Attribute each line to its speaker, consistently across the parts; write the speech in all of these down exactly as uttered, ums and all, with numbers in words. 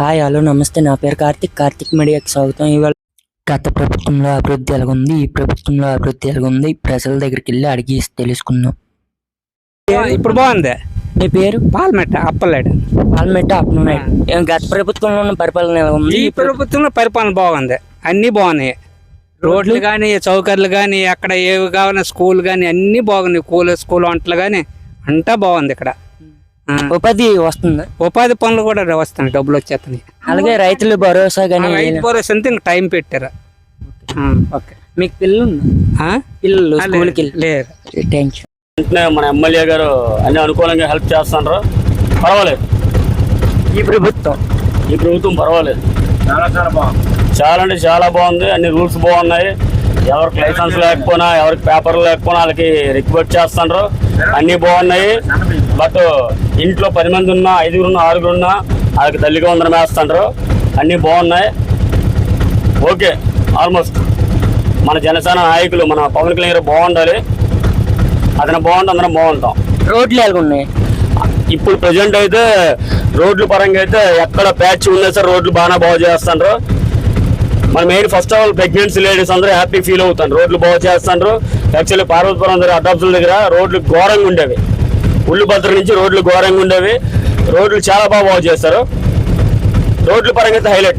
Speaker 1: Hi hello నమస్తే, నా పేరు కార్తిక్. కార్తిక్ మీడియాకి స్వాగతం. ఇవాళ గత ప్రభుత్వంలో అభివృద్ధి ఎలాగుంది, ఈ ప్రభుత్వంలో అభివృద్ధి ఎలాగుంది, ప్రజల దగ్గరికి వెళ్ళి అడిగి తెలుసుకుందాం.
Speaker 2: ఇప్పుడు బాగుంది.
Speaker 1: నీ పేరు?
Speaker 2: పాల్మెట్ట అప్పలేడు.
Speaker 1: పాల్మెట్ట అప్పలనాయుడు. గత ప్రభుత్వంలో ఉన్న పరిపాలన ఎలా ఉంది?
Speaker 2: ఈ ప్రభుత్వంలో పరిపాలన బాగుంది, అన్ని బాగున్నాయి. రోడ్లు కానీ, చౌకర్లు కానీ, అక్కడ ఏవి కావాలన్నా స్కూల్ కానీ అన్ని బాగున్నాయి. కూల స్కూల్ వంటలు కానీ అంతా బాగుంది. ఇక్కడ
Speaker 1: ఉపాధి వస్తుందా?
Speaker 2: ఉపాధి పనులు కూడా వస్తున్నాయి, డబ్బులు వచ్చేస్తున్నాయి.
Speaker 1: అలాగే రైతులు భరోసా కానీ
Speaker 2: రైతు భరోసా అంతా ఇంకా టైం పెట్టారు. ఓకే,
Speaker 1: మీకు పిల్లలు పిల్లలు స్కూల్కి వెళ్ళి
Speaker 2: లేదు.
Speaker 1: Thank you.
Speaker 3: వెంటనే మన ఎమ్మెల్యే గారు అన్ని అనుకూలంగా హెల్ప్ చేస్తున్నారు. పర్వాలేదు.
Speaker 1: ఈ ప్రభుత్వం
Speaker 3: ఈ ప్రభుత్వం పర్వాలేదు, చాలా చాలా బాగుంది. చాలా అంటే చాలా బాగుంది. అన్ని రూల్స్ బాగున్నాయి. ఎవరికి లైసెన్స్ లేకపోయినా, ఎవరికి పేపర్లు లేకపోయినా వాళ్ళకి రిక్వెస్ట్ చేస్తున్నారు. అన్నీ బాగున్నాయి. బట్ ఇంట్లో పది మంది ఉన్నా, ఐదుగురు ఉన్నా, ఆరుగురు ఉన్నా వాళ్ళకి తల్లిగా వందనం వేస్తున్నారు. అన్నీ బాగున్నాయి. ఓకే, ఆల్మోస్ట్ మన జనసేన నాయకులు మన పవన్ కళ్యాణ్ గారు బాగుండాలి. అతను బాగుంటే అందరం బాగుంటాం.
Speaker 1: రోడ్లు ఎలాగ ఉన్నాయి?
Speaker 3: ఇప్పుడు ప్రజెంట్ అయితే రోడ్ల పరంగా అయితే ఎక్కడ ప్యాచ్ ఉన్నా సార్ రోడ్లు బాగా బాగు చేస్తున్నారు. మన main first of all pregnancy ladies అందరూ హ్యాపీ ఫీల్ అవుతారు. రోడ్లు బాగు చేస్తున్నారు. యాక్చువల్లీ పార్వతీపురం దగ్గర అడాప్సుల దగ్గర రోడ్లు ఘోరంగా ఉండేవి. ఉల్లిభద్ర నుంచి రోడ్లు ఘోరంగా ఉండేవి. రోడ్లు చాలా బాగా బాగు చేస్తారు. రోడ్ల పరంగా అయితే హైలైట్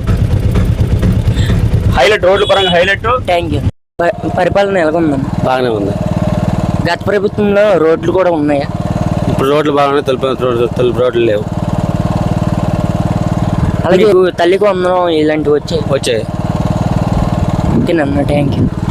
Speaker 3: హైలైట్ రోడ్ల పరంగా హైలైట్.
Speaker 1: Thank you. పరిపాలన ఎలాగుందండి?
Speaker 3: బాగానే ఉంది.
Speaker 1: గత ప్రభుత్వంలో రోడ్లు కూడా ఉన్నాయా?
Speaker 3: ఇప్పుడు రోడ్లు బాగున్నాయి. తెలుపు తెలుపు రోడ్లు లేవు.
Speaker 1: అలాగే తల్లికి వందనం ఇలాంటివి వచ్చాయి
Speaker 3: వచ్చాయి
Speaker 1: ఓకేనమ్మా, థ్యాంక్ యూ.